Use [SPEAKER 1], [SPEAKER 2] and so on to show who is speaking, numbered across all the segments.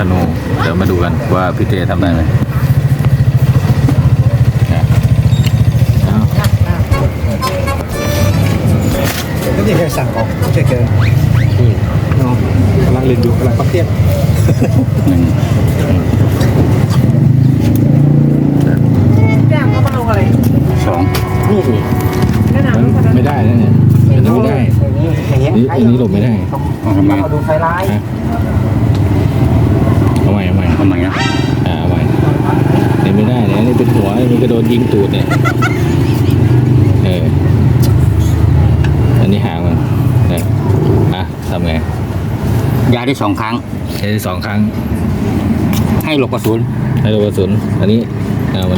[SPEAKER 1] นูเดี๋ยวมาดูกันว่าพี่เต้ทำได้ไหม
[SPEAKER 2] ก็ที่เคยสั่งของเฉยเกินเนาะกำลังเรียนอยู่กำลังปักเทียบ
[SPEAKER 3] แจ้งเขามาลงอะไร
[SPEAKER 1] 2
[SPEAKER 2] นี่นี่
[SPEAKER 3] แนะนำ
[SPEAKER 1] มันไม่ได้นะเนี่ยอันนี้ไม่ได้
[SPEAKER 2] อย่างเงี้ย
[SPEAKER 1] อันนี้หลบไม่ได้ทำไม
[SPEAKER 2] เราดูไฟไลท์
[SPEAKER 1] เอาใหม่นะเอาใหม่นี่ไม่ได้เนี่ยนี่เป็นหัวมันก็โดนยิงตูดเนี่ยอันนี้หางมันเนี่ยทำไง
[SPEAKER 4] ยาได้2 ครั้ง
[SPEAKER 1] ใช้2 ครั้ง
[SPEAKER 4] ให้หลบกระสุน
[SPEAKER 1] ให้โดนกระสุนอันนี้มัน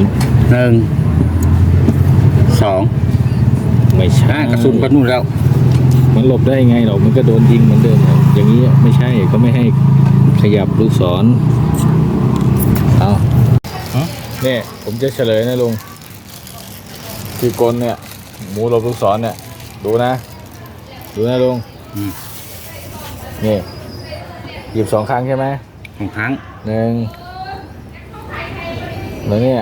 [SPEAKER 4] 1 2
[SPEAKER 1] ไม่ใช่
[SPEAKER 4] กระสุนก็นู่นแล้ว
[SPEAKER 1] มันหลบได้ไงหรอกมันก็โดนยิงเหมือนเดิมอย่างนี้ไม่ใช่ก็ไม่ให้ขยับลูกศรเอาเนี่ยผมจะเฉลยนะลุงที่กลเนี่ยหมูหลบลูกศรเนี่ยดูนะลุงนี่หยิบ2 ครั้งใช่ไหม
[SPEAKER 4] 2 ครั้ง
[SPEAKER 1] 1แล้วเนี่ย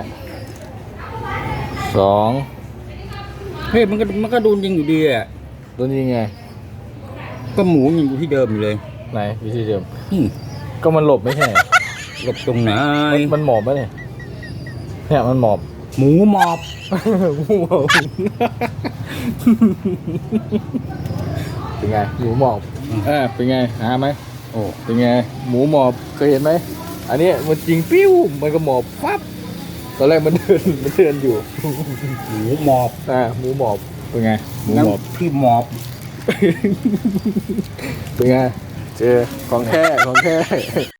[SPEAKER 1] 2
[SPEAKER 4] เฮ้ยมันก็โดนยิงอยู่ดีอ่ะ
[SPEAKER 1] โดนยิงไง
[SPEAKER 4] ก็หมูยังอยู่ที่เดิมอยู่เลย
[SPEAKER 1] ไหนวิธีเดิม
[SPEAKER 4] นี่
[SPEAKER 1] ก็มันหลบไม่ใช่
[SPEAKER 4] หลบตรงไหน
[SPEAKER 1] มันหมอบปะเนี่ยมันหมอบ
[SPEAKER 4] หมูหมอบ
[SPEAKER 1] เป็นไงหมูหมอบเป็นไงหาไหม
[SPEAKER 4] โอ้
[SPEAKER 1] เป็นไงหมูหมอบเคยเห็นไหมอันนี้มันจริงปิ้วมันก็หมอบปั๊บตอนแรกมันเดินอยู่
[SPEAKER 4] หมูหมอบ
[SPEAKER 1] หมูหมอบเป็นไงหมูหมอบ
[SPEAKER 4] ที่หมอบ
[SPEAKER 1] เป็นไงเจอของแท้